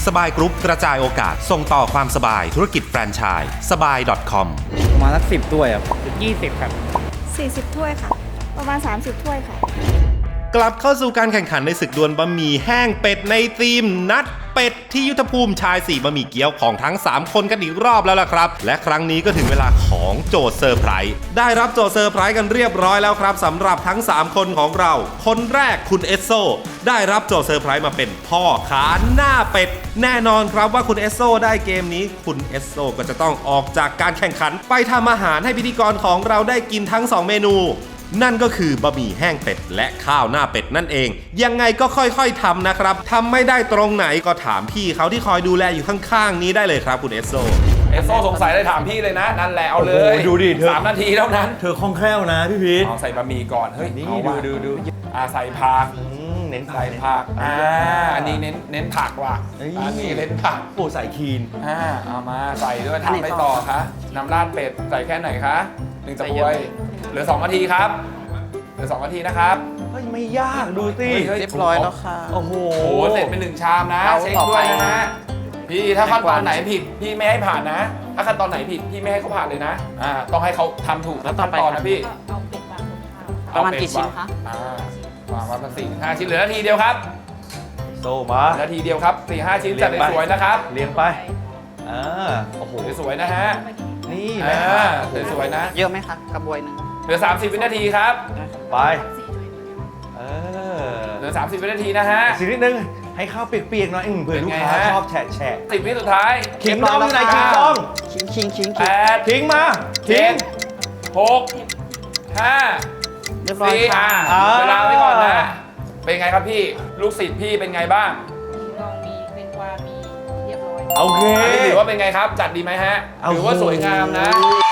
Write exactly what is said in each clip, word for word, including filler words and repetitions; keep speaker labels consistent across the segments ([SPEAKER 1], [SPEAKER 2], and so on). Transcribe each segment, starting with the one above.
[SPEAKER 1] สบายกรุ๊ปกระจายโอกาสส่งต่อความสบายธุรกิจแฟรนไชส์สบาย .com
[SPEAKER 2] ประมาณสักสิบถ้วยครับ
[SPEAKER 3] ยี่สิบครับ
[SPEAKER 4] สี่สิบถ้วยค่ะ ประมาณสามสิบถ้วยค่ะ
[SPEAKER 1] กลับเข้าสู่การแข่งขันในศึกดวลบะหมี่แห้งเป็ดในทีมนัดเป็ดที่ยุทธภูมิชายสี่บะหมี่เกี๊ยวของทั้งสามคนกันอีกรอบแล้วล่ะครับและครั้งนี้ก็ถึงเวลาของโจทย์เซอร์ไพรส์ได้รับโจทย์เซอร์ไพรส์กันเรียบร้อยแล้วครับสำหรับทั้งสามคนของเราคนแรกคุณเอสโซได้รับโจทย์เซอร์ไพรส์มาเป็นพ่อขาหน้าเป็ดแน่นอนครับว่าคุณเอสโซได้เกมนี้คุณเอสโซก็จะต้องออกจากการแข่งขันไปทำอาหารให้พิธีกรของเราได้กินทั้งสองเมนูนั่นก็คือบะหมี่แห้งเป็ดและข้าวหน้าเป็ดนั่นเองยังไงก็ค่อยๆทำนะครับทำไม่ได้ตรงไหนก็ถามพี่เขาที่คอยดูแลอยู่ข้างๆนี้ได้เลยครับคุณเอสโซ
[SPEAKER 5] เอสโซสงสัยเลยถามพี่เลยนะนั่นแหละเอาเลย
[SPEAKER 2] ดูดิเธอ
[SPEAKER 5] สามนาทีเท่านั้น
[SPEAKER 2] เธอคล่องแคล่วนะพี่พีท
[SPEAKER 5] เอาใส่บะหมี่ก่อนเฮ้ย
[SPEAKER 2] นี่
[SPEAKER 5] เอา
[SPEAKER 2] ดู
[SPEAKER 5] ว่ะ
[SPEAKER 2] ดูดู
[SPEAKER 5] อ่าใส่ผัก
[SPEAKER 2] อืมเน้นผั
[SPEAKER 5] ใส่
[SPEAKER 2] ก
[SPEAKER 5] ผักอ่าอันนี้เน้นเน้นผักว่ะ
[SPEAKER 2] เอ้ย
[SPEAKER 5] อันนี้เน้นผัก
[SPEAKER 2] โอ้ใส่คีน
[SPEAKER 5] อ่าเอามาใส่ด้วยทำไปต่อคะน้ำราดเป็ดใส่แค่ไหนคะหนึ่งตะบวยเหลือสองนาทีครับเหลือสองนาทีนะครับ
[SPEAKER 2] เฮ้ยไม่ยากดูสิ
[SPEAKER 5] ฮ้ฮ้
[SPEAKER 3] เรียบร้อยแล้วค่ะ
[SPEAKER 2] โอ้โห
[SPEAKER 5] โอ้โหเสร็จเป็นหนึ่งชามนะ
[SPEAKER 3] เอา
[SPEAKER 5] เช็ค
[SPEAKER 3] ต่อ
[SPEAKER 5] ด้วย
[SPEAKER 3] ไป
[SPEAKER 5] นะฮะพี่ถ้าขั้นตอนไหนผิดพี่ไม่ให้ผ่านนะ ถ้าขั้นตอนไหนผิดพี่ไม่ให้เขาผ่านเลยนะอ่าต้องให้เขาทำถูก
[SPEAKER 3] แล้วต่อ
[SPEAKER 5] ขั้น
[SPEAKER 3] ไป
[SPEAKER 5] ตอน
[SPEAKER 3] ครั
[SPEAKER 5] นะ
[SPEAKER 3] บ
[SPEAKER 5] พี่
[SPEAKER 4] เอาเป็ดวางบนข้าว
[SPEAKER 3] ประมาณกี่ชิ้นคะ
[SPEAKER 5] อ่าวางไว้ประมาณสี่ห้าชิ้นเหลือนาทีเดียวครับ
[SPEAKER 2] โซมา
[SPEAKER 5] นาทีเดียวครับสี่ห้าชิ้นจัด
[SPEAKER 2] เรียงไป
[SPEAKER 5] สวยๆนะครับ
[SPEAKER 2] เลี้ยงไปอ่าโอ้โห
[SPEAKER 5] สวยๆนะฮะ
[SPEAKER 2] นี่
[SPEAKER 5] อ่
[SPEAKER 2] นะ
[SPEAKER 5] าสวยๆนะ
[SPEAKER 3] เยอะไหมคะกระบวยหนึ่ง
[SPEAKER 5] เหลือสามสิบวินาทีครับ
[SPEAKER 2] ไปเออ
[SPEAKER 5] เหลือสามสิบวินาทีนะฮะ
[SPEAKER 2] สินิดนึงให้ข้าวเปียกๆหน่อยอืมเผื่อลูกค้า
[SPEAKER 5] เป็นไงฮะ
[SPEAKER 2] ชอบแฉะแฉะ
[SPEAKER 5] สิบวิสุดท้าย
[SPEAKER 2] ขิงดองอยู่ไหนขิงดอง
[SPEAKER 3] ชิงชิงชิง
[SPEAKER 5] แปด
[SPEAKER 2] ทิ้งมา
[SPEAKER 5] เจ็
[SPEAKER 2] ทิ้ง
[SPEAKER 5] ดหกห้า
[SPEAKER 3] เรียบร้อย
[SPEAKER 5] สี่
[SPEAKER 3] ค่ะ
[SPEAKER 5] อ่า
[SPEAKER 2] อ่า
[SPEAKER 5] เวลาไว้ก่อนนะ เป็นไงครับพี่ ลูกศิษย์พี่เป็นไงบ้าง
[SPEAKER 4] ลองมีเป็นกวามีเรียบร้อย
[SPEAKER 2] โอเค
[SPEAKER 5] อันนี้ถือว่าเป็นไงครับ จัดดีไหมฮะ
[SPEAKER 2] เอา
[SPEAKER 5] ถือว่าสวยงามนะ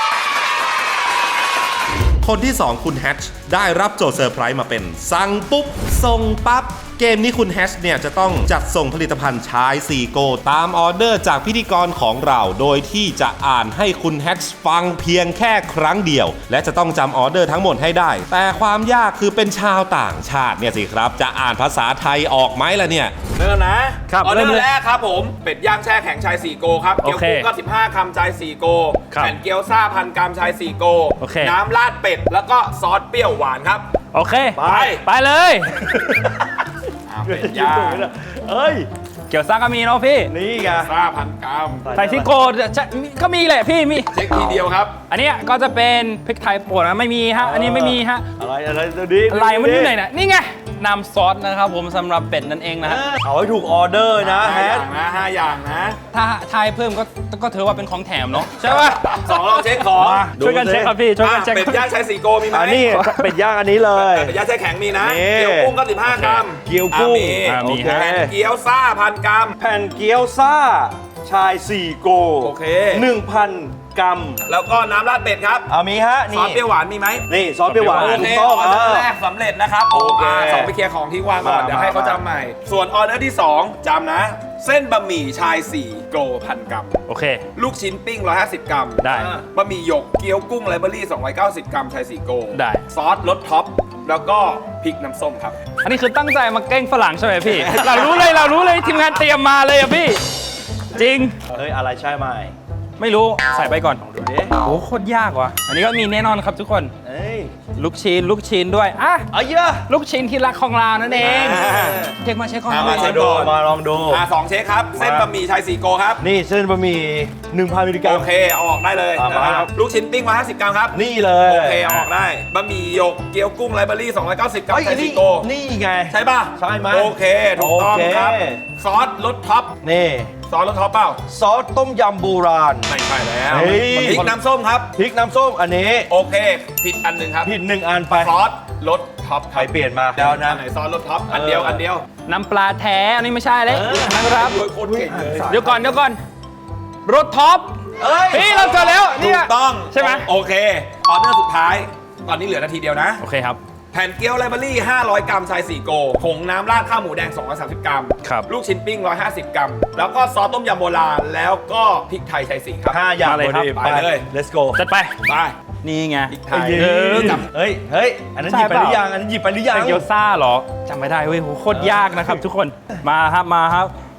[SPEAKER 1] คนที่สองคุณแฮชได้รับโจทย์เซอร์ไพรส์มาเป็นสั่งปุ๊บส่งปั๊บเกมนี้คุณแฮชเนี่ยจะต้องจัดส่งผลิตภัณฑ์ชายสี่โกตามออเดอร์จากพิธีกรของเราโดยที่จะอ่านให้คุณแฮชฟังเพียงแค่ครั้งเดียวและจะต้องจำออเดอร์ทั้งหมดให้ได้แต่ความยากคือเป็นชาวต่างชาติเนี่ยสิครับจะอ่านภาษาไทยออกไหมล่ะเนี่ย
[SPEAKER 5] เริ่มนะครับ ออเดอ
[SPEAKER 2] เริ่ม
[SPEAKER 5] ร์
[SPEAKER 2] เลย
[SPEAKER 5] แรกครับผม เป็ดย่างแช่แข็งชายสี่โกครับ
[SPEAKER 2] โอ
[SPEAKER 5] เกี๊ยว
[SPEAKER 2] เค
[SPEAKER 5] กุ้งก็สิบห้าคำชายสี่โก
[SPEAKER 2] ครับ
[SPEAKER 5] แผ่นเกี๊ยวซ่าพันกรัมชายสี่โก
[SPEAKER 2] โอเค
[SPEAKER 5] น้ำราดเป็ด แล้วก็ซอสเปรี้ยวหวานครับ
[SPEAKER 6] โอเค
[SPEAKER 2] ไป
[SPEAKER 6] ไปเลย
[SPEAKER 5] อ่าเป็ดย่าง
[SPEAKER 2] เอ้ย
[SPEAKER 6] เกี่ยวซ่าก็มีเนาะพี่
[SPEAKER 2] นี่ไง
[SPEAKER 5] ซ่าพันกรัม
[SPEAKER 6] ใส่ซิโก้จะมีก็มีแหละพี่มี
[SPEAKER 5] เช็คทีเดียวครับ
[SPEAKER 6] อันเนี้ยก็จะเป็นพริกไทยป่นนะไม่มีฮะ อันนี้ไม่มีฮะ
[SPEAKER 2] อะไรอะไรตัวนี้
[SPEAKER 6] อะไรมันอยู่ไหนน่ะนี่ไงน้ำซอสนะครับผมสำหรับเป็ดนั่นเองนะฮะ
[SPEAKER 2] เอาให้ถูกออเดอร์นะ
[SPEAKER 5] ห้า
[SPEAKER 2] แฮ
[SPEAKER 5] อ
[SPEAKER 2] ช
[SPEAKER 5] ย่างนะห้าอย่างนะ
[SPEAKER 6] ถ้าทายเพิ่มก็ก็ถือว่าเป็นของแถมเนาะใช่ป่ะ
[SPEAKER 5] สองลองเช็คของ
[SPEAKER 2] มา
[SPEAKER 6] ช่วยกันเช็คครับพี่ช่วยกันเช็ค
[SPEAKER 5] อ่ะเป็ดย่างชายสี่โกมีไหม
[SPEAKER 2] อันนี้เป็ดย่างอันนี้เลย
[SPEAKER 5] เป็ดย่างแช่แข็งมีนะ
[SPEAKER 2] นี่
[SPEAKER 5] เกี๊ยวกุ้งก็สิบห้ากรัม
[SPEAKER 2] เกี๊ยวกุ้ง
[SPEAKER 5] อ่ะมี
[SPEAKER 6] อ่ะมี
[SPEAKER 2] โอเค
[SPEAKER 6] ฮะ
[SPEAKER 5] แผ่นเกี๊ยวซ่าพันกรัม
[SPEAKER 2] แผ่นเกี๊ยวซ่า ชายสี่โก
[SPEAKER 5] โอเค
[SPEAKER 2] หนึ่งพันกรัม
[SPEAKER 5] แล้วก็น้ำราดเป็ดครับ
[SPEAKER 2] เอามีฮะ
[SPEAKER 5] ซ
[SPEAKER 2] นี่
[SPEAKER 5] อสเปรี้ยวหวานมีไหม
[SPEAKER 2] นี่ซอสเปรี้ยวหวาน
[SPEAKER 5] โอ
[SPEAKER 2] ถู
[SPEAKER 5] เค
[SPEAKER 2] กต้อง
[SPEAKER 5] ออเดอร์
[SPEAKER 2] อ่า
[SPEAKER 5] แรกสำเร็จนะครับ
[SPEAKER 2] โอเค
[SPEAKER 5] าสองไปเคลียร์ของที่วางก่อน
[SPEAKER 2] มา
[SPEAKER 5] เดี๋ยวให้เขา
[SPEAKER 2] มา
[SPEAKER 5] จำใหม่ ส่วนออเดอร์ที่สองจำนะ เส้นบะหมี่ชายสี่โกพันกรัม
[SPEAKER 6] โอเค
[SPEAKER 5] ลูกชิ้นปิ้งหนึ่งร้อยห้าสิบกรัม
[SPEAKER 6] ได้
[SPEAKER 5] บะหมี่หยกเกี๊ยวกุ้งไลเบอรี่สองร้อยเก้าสิบกรัมชายสี่โก
[SPEAKER 6] ได้
[SPEAKER 5] ซอสรสท็อปแล้วก็พริกน้ำส้มครับ
[SPEAKER 6] อันนี้คือตั้งใจมาแกล้งฝรั่งใช่ไหมพี่ เรารู้เลยเรารู้เลยทีมงานเตรียมมาเลยอะพี่ จริง
[SPEAKER 2] เฮ้ย อะไรใช่ไหม
[SPEAKER 6] ไม่รู้ใส่ไปก่อน
[SPEAKER 2] ดูดิ
[SPEAKER 6] โอ้โหโคตรยากว่ะอันนี้ก็มีแน่นอนครับทุกคน
[SPEAKER 2] เอ้ย
[SPEAKER 6] ลูกชิ้นลูกชิ้นด้วยอ่ะ
[SPEAKER 2] เอาเยอะ
[SPEAKER 6] ลูกชิ้นที่รักของเรานั่นเอง
[SPEAKER 5] อ่า
[SPEAKER 6] เช็คมาเช็คก่อน
[SPEAKER 5] อ่า
[SPEAKER 2] มา
[SPEAKER 5] เช็ค
[SPEAKER 2] ดู
[SPEAKER 5] ก่อน
[SPEAKER 2] มาลองดู
[SPEAKER 5] อ่าสองเช็คครับ เส้นบะหมี่ชายสี่โกครับ
[SPEAKER 2] นี่เส้นบะหมี่หนึ่งพันมิลลิกรั
[SPEAKER 5] โอ
[SPEAKER 2] ม
[SPEAKER 5] เคเอาออกได้เลย
[SPEAKER 2] อ่ามา
[SPEAKER 5] นะครับลูกชิ้นปิ้งมาห้าสิบกรัมครับ
[SPEAKER 2] นี่เลย
[SPEAKER 5] โอเคเอาออกได้บะหมี่หยกเกี๊ยวกุ้งไลเบอรี่สองร้อยเก้าสิบกรัม
[SPEAKER 2] เฮ้ย
[SPEAKER 5] ชาย
[SPEAKER 2] นี่
[SPEAKER 5] สี่โก
[SPEAKER 2] นี่ไง
[SPEAKER 5] ใช่ป่ะ
[SPEAKER 2] ใช่ไหม
[SPEAKER 5] โอเคถูกต้อง
[SPEAKER 2] โอเค
[SPEAKER 5] ครับ ซอสรสท็อป
[SPEAKER 2] นี่
[SPEAKER 5] ซอสรสท็อปเปล่า
[SPEAKER 2] ซอสต้มยำโบราณ
[SPEAKER 5] ไม่ใช่แล้ว
[SPEAKER 2] เฮ้ย
[SPEAKER 5] พริกน้ำส้มครับ
[SPEAKER 2] พริกน้ำส้มอันนี้
[SPEAKER 5] โอเค ผิดอันหนึ่งครับ
[SPEAKER 2] ผิดหนึ่งอันไป
[SPEAKER 5] ซอสรสท็อป
[SPEAKER 2] ใครเปลี่ยนมาแล้วนะ
[SPEAKER 5] อันไหนซอสรสท็อปอันเดียวอันเดียว
[SPEAKER 6] น้ำปลาแท้อันนี้ไม่ใช่เลยนะครับ
[SPEAKER 5] โดยโคตรเก่งเลย
[SPEAKER 6] เดี๋ยวก่อนเดี๋ยวก่อนรถท็อป
[SPEAKER 2] เอ้ย
[SPEAKER 6] พี่เราเจอแล้ว
[SPEAKER 5] ถู
[SPEAKER 6] เนี่ย
[SPEAKER 5] กต้อง
[SPEAKER 6] ใช่ไหม
[SPEAKER 5] โอเคออเดอร์สุดท้าย ตอนนี้เหลือนาทีเดียวนะ
[SPEAKER 6] โอเคครับ
[SPEAKER 5] แผ่นเกี๊ยวไลเบอรี่ห้าร้อยกรัมชายสี่โกผงน้ำราดข้าวหมูแดงสองร้อยสามสิบกรัม
[SPEAKER 6] ครับ
[SPEAKER 5] ลูกชิ้นปิ้งหนึ่งร้อยห้าสิบกรัม แล้วก็ซอสต้มยำโบราณ แล้วก็พริกไทยชายสี่ครับ
[SPEAKER 2] ห้าอย่าง
[SPEAKER 6] มาเลยครับ
[SPEAKER 2] พอดี
[SPEAKER 5] ไปเลย
[SPEAKER 2] let's go
[SPEAKER 6] จัดไป
[SPEAKER 5] ไป
[SPEAKER 6] นี่ไง
[SPEAKER 5] พริกไท
[SPEAKER 2] เฮ้
[SPEAKER 5] ย
[SPEAKER 2] ย
[SPEAKER 6] เออ
[SPEAKER 5] จับ
[SPEAKER 2] เฮ้ย เฮ้ย อันนั้นห
[SPEAKER 6] ใช่
[SPEAKER 2] ยิบไปหรือ
[SPEAKER 6] เปล่า
[SPEAKER 2] ยัง อันนั้นหยิบไปหรือยัง
[SPEAKER 6] เป็นเกี๊ยวซ่าเหรอจำไม่ได้เว้ยโหโคตรยากนะครับทุกคนมาครับมาครับ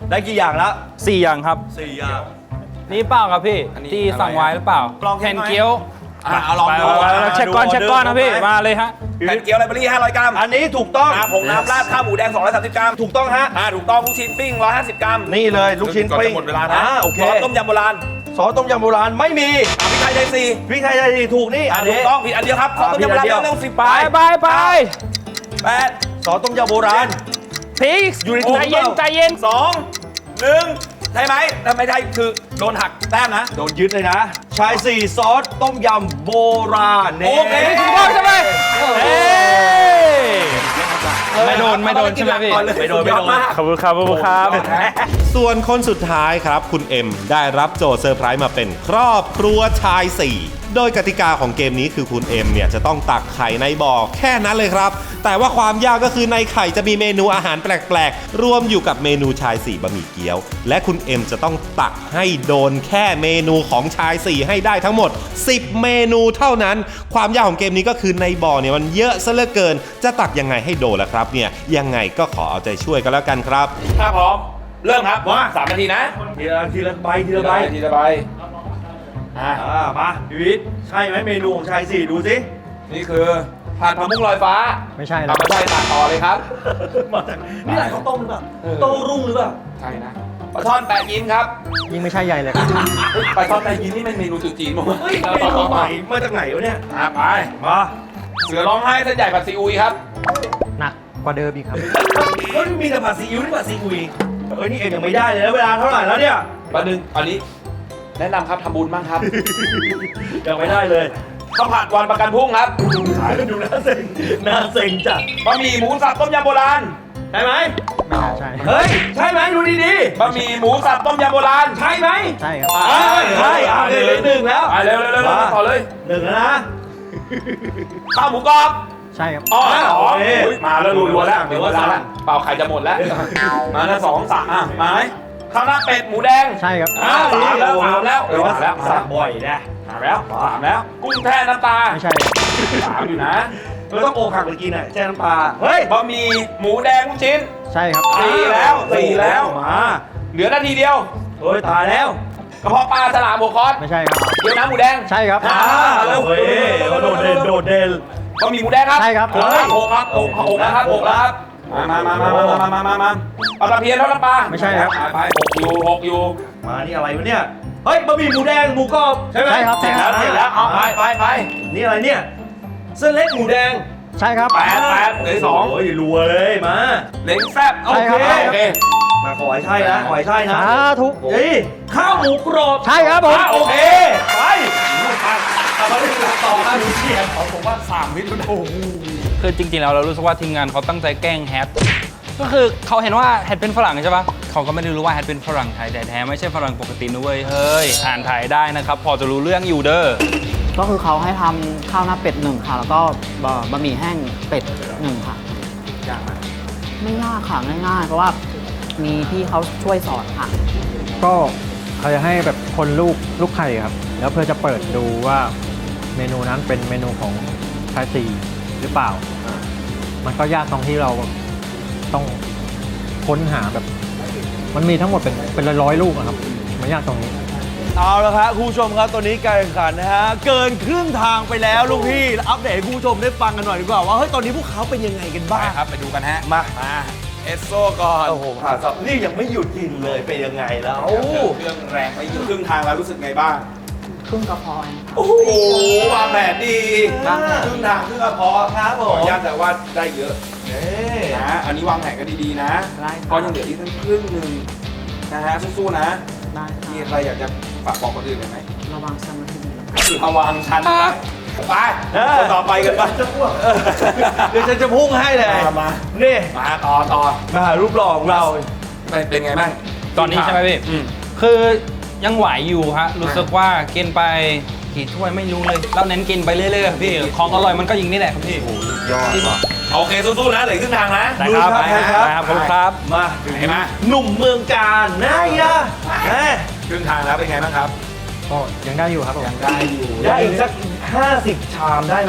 [SPEAKER 2] ได้กี่อย่างแล้ว
[SPEAKER 6] สี่อย่างครับ
[SPEAKER 2] สี่อย่าง
[SPEAKER 6] นี่เปล่าครับพี่
[SPEAKER 5] อันนี้
[SPEAKER 6] ที่
[SPEAKER 5] อะไร
[SPEAKER 6] สั่งไว้หรือเปล่า
[SPEAKER 2] ลองเช็
[SPEAKER 6] แผ่
[SPEAKER 2] คน ไหม
[SPEAKER 6] เกี๊ยว
[SPEAKER 5] อ่ะเอาลองดู
[SPEAKER 6] ไปๆๆเช็คก้อนเช็คก้อนนะพี่
[SPEAKER 2] ดูออเดอร์
[SPEAKER 6] มาเลยฮะ
[SPEAKER 5] แผ่นเกี๊ยวไลเบอรี่ห้าร้อยกรัม
[SPEAKER 2] อันนี้ถูกต้อง
[SPEAKER 5] น้ำผงน้ำราดข้าวหมูแดงสองร้อยสามสิบกรัม
[SPEAKER 2] ถูกต้องฮะ
[SPEAKER 5] อ่าถูกต้องลูกชิ้นปิ้งหนึ่งร้อยห้าสิบกรัม
[SPEAKER 2] นี่เลยลูกชิ้น
[SPEAKER 5] ก่อน
[SPEAKER 2] ปิ้ง
[SPEAKER 5] จะหมดเวลานะ
[SPEAKER 2] อ่าโอเค
[SPEAKER 5] ซอสต้มยำโบราณ
[SPEAKER 2] ซอสต้มยำโบราณไม่มี
[SPEAKER 5] อ่าพริกไทยไทยซี
[SPEAKER 2] พริกไทยไทยดีถูกนี่
[SPEAKER 5] อ่า
[SPEAKER 2] อัน
[SPEAKER 5] ถู
[SPEAKER 2] นี้
[SPEAKER 5] กต้องผิดอันเดียวครับซอสต้มยำโบราณ
[SPEAKER 2] อ่าผิดอันเดียว
[SPEAKER 5] เรื่องสิบ
[SPEAKER 6] ไป
[SPEAKER 5] ไป
[SPEAKER 6] ไปไป
[SPEAKER 5] แปด
[SPEAKER 2] ซอสต้มยำโบราณ
[SPEAKER 6] พีก
[SPEAKER 2] อยู่ในถุง
[SPEAKER 6] ใจเย็น
[SPEAKER 2] เปล่า
[SPEAKER 6] ใจเย็น
[SPEAKER 5] สองหนึ่งใช่ไหมถ้าไม่ใช่คือโดนหักแต้มนะ
[SPEAKER 2] โดนยึดเลยนะ ชายสี่ซอสต้มยำโบราณนี่
[SPEAKER 5] โอเค
[SPEAKER 6] ถูกต้องใช่ไหมเอ้ยไม่โดนไม่โดนใช่ไหมพี่
[SPEAKER 2] ไม่โดนไม่โดน
[SPEAKER 6] ขอบคุณครับขอบคุณครับ
[SPEAKER 1] ส่วนคนสุดท้ายครับ คุณเอ็มได้รับโจทย์เซอร์ไพรส์มาเป็นครอบครัวชายสี่ โดยกติกาของเกมนี้คือคุณเอ็มเนี่ยจะต้องตักไข่ในบ่อแค่นั้นเลยครับ แต่ว่าความยากก็คือในไข่จะมีเมนูอาหารแปลกๆ รวมอยู่กับเมนูชายสี่บะหมี่เกี๊ยว และคุณเอ็มจะต้องตักให้โดนแค่เมนูของชายสี่ให้ได้ทั้งหมด สิบ เมนูเท่านั้น ความยากของเกมนี้ก็คือในบ่อเนี่ยมันเยอะซะเหลือเกิน จะตักยังไงให้โดนล่ะครับเนี่ยยังไงก็ขอเอาใจช่วยกันแล้วกันครับ
[SPEAKER 5] ถ้าพร้อม เริ่มครับ
[SPEAKER 2] ว่า
[SPEAKER 5] สามนาทีนะ
[SPEAKER 2] ทีละทีละใบทีละใบ
[SPEAKER 5] ทีละใบอ่า
[SPEAKER 2] อ่ามาพีวิทย์ใช่ไหมเมนูของชายสี่ดูสิ
[SPEAKER 5] นี่คือผัดผักบุ้งลอยฟ้า
[SPEAKER 6] ไม่ใช่หร
[SPEAKER 5] เอา
[SPEAKER 6] อก
[SPEAKER 5] มาใส่ตักต่อเลยครับ
[SPEAKER 2] มาจากนี่แหละข้าวต้มหรือเปล่า
[SPEAKER 5] เออ
[SPEAKER 2] โต้รุ่งหรือเปล่า
[SPEAKER 5] ใช่นะปลาช่อนแปะยิ้มครับ
[SPEAKER 6] ยิ่งไม่ใช่ใหญ่เลย
[SPEAKER 5] เฮ้ยปลาช่อนแปะยิ้มนี่มันเมนูจุดจีนมั้ง
[SPEAKER 2] เฮ้ยเมนูใหม่มาจากไหนวะเนี่ย
[SPEAKER 5] อ่ะไป
[SPEAKER 2] มา
[SPEAKER 5] เสือร้องไห้เส้นใหญ่ผัดซีอุยครับ
[SPEAKER 6] หนักกว่าเดิมอีกครับ
[SPEAKER 2] เฮ้ยมีแต่ผัดซีอิ๊วนี่ผัดซีอุยเอ้ยนี่เอ็มยังไม่ได้เลยนะเวลาเท่าไหร่แล้วเนี่ย
[SPEAKER 5] ประหนึ่งอันนี้ แนะนำครับทำบุญบ้างครับ
[SPEAKER 2] ยังไม่ได้เลย
[SPEAKER 5] ข้าวผัดวันประกันพรุ่งครับ
[SPEAKER 2] ขายกันดูน่าเซ็งน่าเซ็งจัด
[SPEAKER 5] บะหมี่หมูสับต้มยำโบราณ
[SPEAKER 2] ใช่ไหม
[SPEAKER 6] ไม่น่าใช่
[SPEAKER 2] เฮ้ยใช่ไหมดูดี
[SPEAKER 5] บะหมี่หมูสับต้มยำโบราณ
[SPEAKER 2] ๆใช่ไหม
[SPEAKER 6] ใช่ครับ
[SPEAKER 2] อ่าใช่อ่าหนึ่งหนึ่งแล้ว
[SPEAKER 5] ไปเร็วเร็วเร็วเร็วต่อเลย
[SPEAKER 2] หนึ่งแล้วนะ
[SPEAKER 5] ข้าวหมูกรอบ
[SPEAKER 6] ใช่ครับ
[SPEAKER 5] อ๋อ
[SPEAKER 2] อ่า
[SPEAKER 5] สอง
[SPEAKER 2] โอเค
[SPEAKER 5] อุ๊ยมาแล้วรัวๆแล้วเดี๋ยวว่าแล้วเปล่าไข่จะหมดแล้ว มาแล้วสองสามอ่ะมาไหมข้าวหน้าเป็ดหมูแดง
[SPEAKER 6] ใช่ครับ
[SPEAKER 5] อ่าสามแล้วสามแล้ว
[SPEAKER 2] แต่ว่า
[SPEAKER 5] สามแล้ว
[SPEAKER 2] สั่งบ่อยนะ
[SPEAKER 5] สามแล้วสามแล้ว กุ้งแช่น้ำปลา
[SPEAKER 6] ไม่ใช่
[SPEAKER 5] สามอยู่นะ
[SPEAKER 2] เราต้องโอกหักไปกินอ่ะแช่น้ำปลาเฮ้ย
[SPEAKER 5] บะหมี่หมูแดงลูกชิ้น
[SPEAKER 6] ใช่ครับ
[SPEAKER 5] สี่แล้วสี่แล้ว
[SPEAKER 2] มา
[SPEAKER 5] เหลือนาทีเดียว
[SPEAKER 2] เฮ้ยตายแล้ว
[SPEAKER 5] กระเพาะปลาฉลามหัวคอส
[SPEAKER 6] ไม่ใช่ครับ
[SPEAKER 5] เกี๊ยวน้ำหมูแดง
[SPEAKER 6] ใช่ครับ
[SPEAKER 5] อ่าเร็ว
[SPEAKER 2] เฮ้ยโดดเด่นโดดเด่น
[SPEAKER 5] บะหมี่หมูแดงครับ
[SPEAKER 6] ใช่ครับ
[SPEAKER 5] หกครับหกครับหกหกแล้วครับหกแล้วครับมามามามามามามามาเอาตะเพียนเท่าน้ำปลา
[SPEAKER 6] ไม่ใช่ครับ
[SPEAKER 5] ไปหกอยู่หกอยู่
[SPEAKER 2] มานี่อะไรวะเนี่ยเฮ้ยบะหมี่หมูแดงหมูกรอบใช่ไหม
[SPEAKER 6] ใช่ครับ
[SPEAKER 5] เสร็จแล้วเสร็จแล้วเอาไปไปไป
[SPEAKER 2] นี่อะไรเนี่ยเส้นเล็กหมูแดง
[SPEAKER 6] ใช่ครับ
[SPEAKER 5] แปดแปดเหลืออกสอง
[SPEAKER 2] โอ้ยรัวเลยมา
[SPEAKER 5] เล้งแซ่บโอ
[SPEAKER 6] ใช่
[SPEAKER 5] เค
[SPEAKER 6] ครับ
[SPEAKER 5] โอเค
[SPEAKER 2] มาขอให้ใช่นะขอให้ใช่นะ
[SPEAKER 6] สาธุ
[SPEAKER 2] เฮ้ยข้าวหมูกรอบ
[SPEAKER 6] ใช่ครับผม
[SPEAKER 5] อ่ะโอเค
[SPEAKER 2] ไปเอามาเล่นต่อครับหนูเชียร์
[SPEAKER 5] เอาผมว่าสามวินาที
[SPEAKER 6] คือจริงๆแล้วเรารู้สึกว่าทีมงานเขาตั้งใจแกล้งแฮทก็คือเขาเห็นว่าแฮทเป็นฝรั่งใช่ปะเขาก็ไม่ได้รู้ว่าแฮทเป็นฝรั่งไทยแต่แท้ไม่ใช่ฝรั่งปกตินะเว้ยเฮ้ยอ่านไทยได้นะครับ พอจะรู้เรื่องอยู่เด้อ
[SPEAKER 3] ก็คือเขาให้ทำข้าวหน้าเป็ดหนึ่งค่ะ แล้วก็บะบะหมี่แห้งเป็ดหนึ่งค่ะ
[SPEAKER 5] ยากไหม
[SPEAKER 3] ไม่ยากค่ะง่ายๆ เพราะว่ามีพี่เขาช่วยสอนค่ะ
[SPEAKER 7] ก็เขาจะให้แบบคนลูกลูกไข่ครับ แล้วเพื่อจะเปิดดูว่าเมนูนั้นเป็นเมนูของชายสี่หรือเปล่า มันก็ยากตรงที่เราต้องค้นหาแบบ มันมีทั้งหมดเป็นเป็นร้อยๆลูกอะครับ มันยากตรงนี้
[SPEAKER 2] เอาละครับคุณผู้ชมครับตอนนี้การแข่งขันนะฮะเกินครึ่งทางไปแล้วลูกพี่อัปเดตให้คุณผู้ชมได้ฟังกันหน่อยดีกว่าว่าเฮ้ยตอนนี้พวกเขาเป็นยังไงกัน
[SPEAKER 5] ไป
[SPEAKER 2] บ้าง
[SPEAKER 5] ครับไปดูกันฮะ
[SPEAKER 2] มา
[SPEAKER 5] มาเอสโซก่อน
[SPEAKER 2] โอ้โหผ่านสับนี่ยังไม่หยุดกินเลยเป็นยังไงแล้ว
[SPEAKER 5] เครื่องแรงไปอยู่ครึ่งทางแล้วรู้สึกไงบ้าง
[SPEAKER 3] ครึ่งกระเพาะ
[SPEAKER 5] โอ้โหวางแผนดี
[SPEAKER 3] วางแผน
[SPEAKER 5] ครึ่งทางครึ่งกระเพาะ
[SPEAKER 2] ครับผ
[SPEAKER 5] ขอ
[SPEAKER 2] ม
[SPEAKER 5] อนุญาตแต่ว่าได้เยอะ
[SPEAKER 2] เอ๊ะ
[SPEAKER 5] นะอันนี้วางแผนกันดีๆนะ
[SPEAKER 3] ได้ค่ะ
[SPEAKER 5] เพราะยังเหลืออีกตั้งครึ่งหนึ่งนะฮะสู้ๆนะ
[SPEAKER 3] ได้
[SPEAKER 5] มี
[SPEAKER 3] ค่ะ
[SPEAKER 5] ใครอยากจะฝากบอกคนอื่นไหม
[SPEAKER 3] ระวังสมาธิดี
[SPEAKER 5] ระวังฉันนะไปคนต่อไปกันบ้าง
[SPEAKER 2] เดี๋ยวฉันจะพุ่งให้เลย
[SPEAKER 5] มามา
[SPEAKER 2] นี่
[SPEAKER 5] มาต่อต่อ
[SPEAKER 2] มาหารูปหล่อของเรา
[SPEAKER 5] เป็นเป็นไงบ้าง
[SPEAKER 6] ตอนนี้ใช่ไหมพี่
[SPEAKER 5] อืม
[SPEAKER 6] คือยังไหวอยู่ฮะ รู้สึกว่ากินไปกี่ถ้วยไม่รู้เลย เราเน้นกินไปเรื่อยๆครับพี่ ของอร่อยมันก็ยิงนี่แหละครับพี่
[SPEAKER 2] ยอดว่ะ
[SPEAKER 5] โอเคสู้ๆนะเหลือครึ่งทางนะ
[SPEAKER 6] ได้ครับ
[SPEAKER 2] ดูครับ
[SPEAKER 6] ได้ครับขอบคุณครับ
[SPEAKER 2] มา
[SPEAKER 5] ไหนมา
[SPEAKER 2] หนุ่มเมืองการนายอะแม่
[SPEAKER 5] ครึ่งทางแล้วเป็นไงบ้างครับ
[SPEAKER 7] ก็ยังได้อยู่ครับผม
[SPEAKER 5] ยังได้อยู่
[SPEAKER 2] ได้อีกสักห้าสิบชามได้ไหม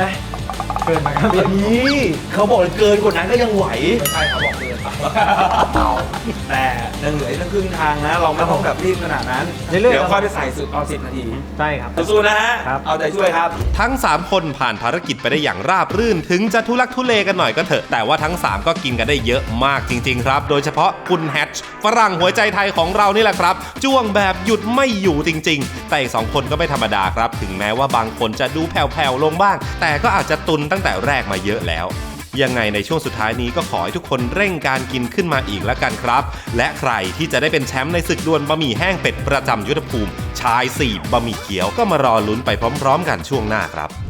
[SPEAKER 7] เกินไปครับ
[SPEAKER 2] นี่เขาบอกเลยเกินกว่านั้นก็ยังไหว
[SPEAKER 5] ไม่ใช่เขาบอกเกิน
[SPEAKER 2] แต่ยังเหลืออีกตั้งครึ่งทางนะ เราไม่ต้องแบบรีบขนาดนั้น
[SPEAKER 7] เรื่อยๆ
[SPEAKER 2] เดี๋ยวค่อยไปใส่สุดเอาสิบนาที
[SPEAKER 7] ใช่ครับ
[SPEAKER 2] สู้ๆนะฮะ
[SPEAKER 7] ครับ
[SPEAKER 2] เอาใจช่วยครับ
[SPEAKER 1] ทั้ง สาม คนผ่านภารกิจไปได้อย่างราบรื่น ถึงจะทุลักทุเลกันหน่อยก็เถอะ แต่ว่าทั้ง สาม ก็กินกันได้เยอะมากจริง ๆ ครับ โดยเฉพาะคุณแฮชฝรั่งหัวใจไทยของเรานี่แหละครับ จ้วงแบบหยุดไม่อยู่จริง ๆ แต่อีกสองคนก็ไม่ธรรมดาครับ ถึงแม้ว่าบางคนจะดูแผ่วๆลงบ้าง แต่ก็อาจจะตุนตั้งแต่แรกมาเยอะแล้ว ยังไงในช่วงสุดท้ายนี้ก็ขอให้ทุกคนเร่งการกินขึ้นมาอีกแล้วกันครับ และใครที่จะได้เป็นแชมป์ในศึกดวลบะหมี่แห้งเป็ดประจำยุทธภูมิชายสี่บะหมี่เขียวก็มารอลุ้นไปพร้อมๆกันช่วงหน้าครับ